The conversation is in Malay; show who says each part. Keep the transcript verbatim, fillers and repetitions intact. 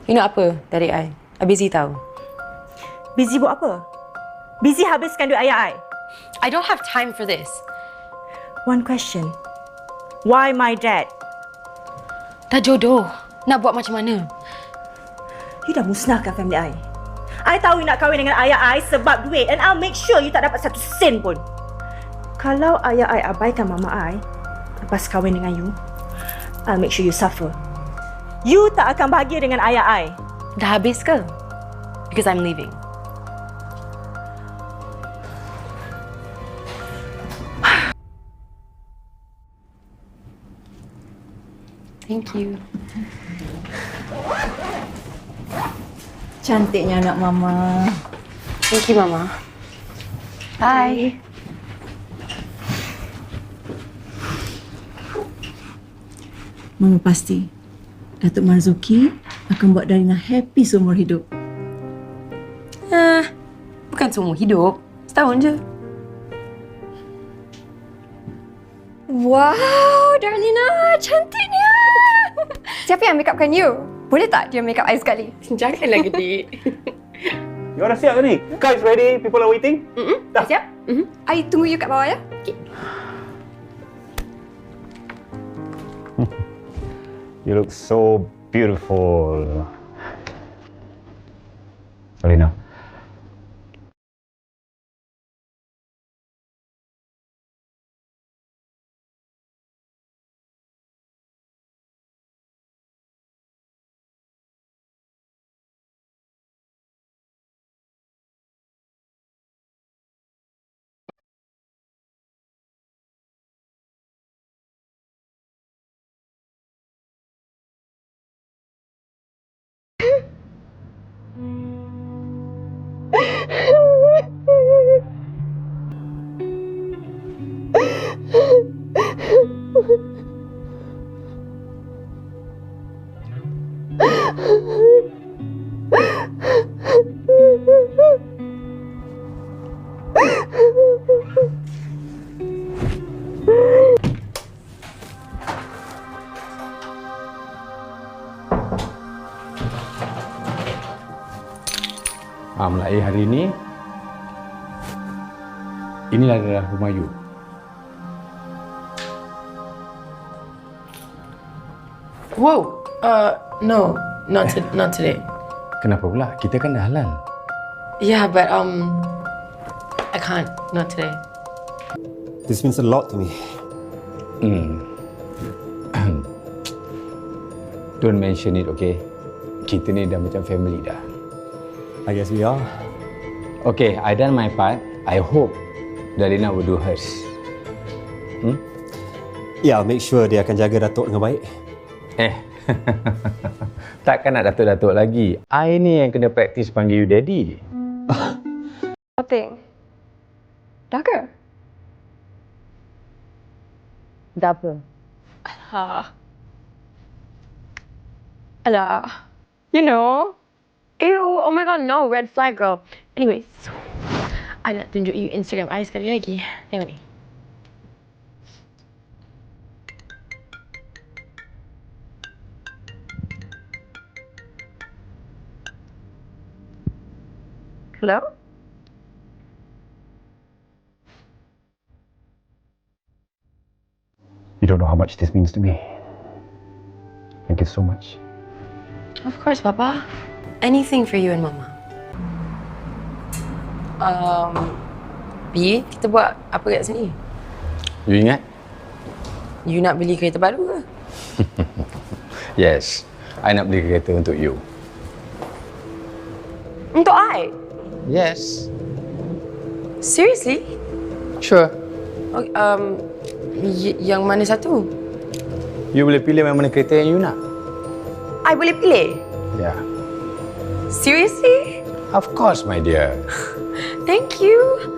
Speaker 1: You nak apa dari I? I busy tau.
Speaker 2: Busy buat apa? Busy habiskan duit ayah I.
Speaker 1: I don't have time for this.
Speaker 2: One question. Why my dad?
Speaker 1: Dah jodoh. Nak buat macam mana?
Speaker 2: You dah musnahkan family I. I tahu you nak kahwin dengan ayah I sebab duit, and I'll make sure you tak dapat satu sen pun. Kalau ayah I abaikan mama I lepas kahwin dengan you, I'll make sure you suffer. You tak akan bahagia dengan ayah I.
Speaker 1: Dah habis ke? Because I'm leaving. Thank you.
Speaker 3: Cantiknya anak mama.
Speaker 1: Thank you, Mama. Bye.
Speaker 3: Mama pasti Datuk Marzuki akan buat Darina happy seumur hidup.
Speaker 1: Ah, bukan seumur hidup. Setahun je.
Speaker 4: Wow, Darlina, cantiknya. Siapa yang make upkan you? Boleh tak dia make up I sekali?
Speaker 1: Janganlah gede.
Speaker 5: You dah siap ke ni? Kites ready, people are waiting?
Speaker 4: Mm-mm. Dah siap? Mm-hmm. I tunggu you kat bawah ya. Okay.
Speaker 5: You look so beautiful. Darlina. Ah, mulai hari ini, inilah adalah rumah you.
Speaker 1: Whoa. Uh, no, not to, not today.
Speaker 5: Kenapa pula? Kita kan dah halal.
Speaker 1: Yeah, but um, I can't. Not today.
Speaker 6: This means a lot to me.
Speaker 5: Hmm. Don't mention it, okay? Kita ni dah macam family dah.
Speaker 6: I guess we are.
Speaker 5: Okay, I done my part. I hope Darlina will do hers. Hmm?
Speaker 6: Yeah, I'll make sure dia akan jaga Datuk dengan baik.
Speaker 5: Eh, takkan nak datuk-datuk lagi. I ni yang kena praktis panggil you daddy.
Speaker 4: Nothing. Dah ke?
Speaker 1: Dah apa?
Speaker 4: Alah. Alah. You know. Ew, oh my god, no. Red flag, girl. Anyways. I nak tunjuk you Instagram I sekali lagi. Tengok ni. Hello?
Speaker 5: You don't know how much this means to me. Thank you so much.
Speaker 1: Of course, Papa. Anything for you and Mama. Um, Bi, kita buat apa kat sini?
Speaker 5: You ingat?
Speaker 1: You nak beli kereta baru ke?
Speaker 5: Yes. I nak beli kereta untuk you.
Speaker 1: Untuk I?
Speaker 5: Yes.
Speaker 1: Seriously?
Speaker 5: Sure.
Speaker 1: Okay, um, y- yang mana satu?
Speaker 5: You boleh pilih mana kereta yang you nak.
Speaker 1: I boleh pilih?
Speaker 5: Yeah.
Speaker 1: Seriously?
Speaker 5: Of course, my dear.
Speaker 1: Thank you.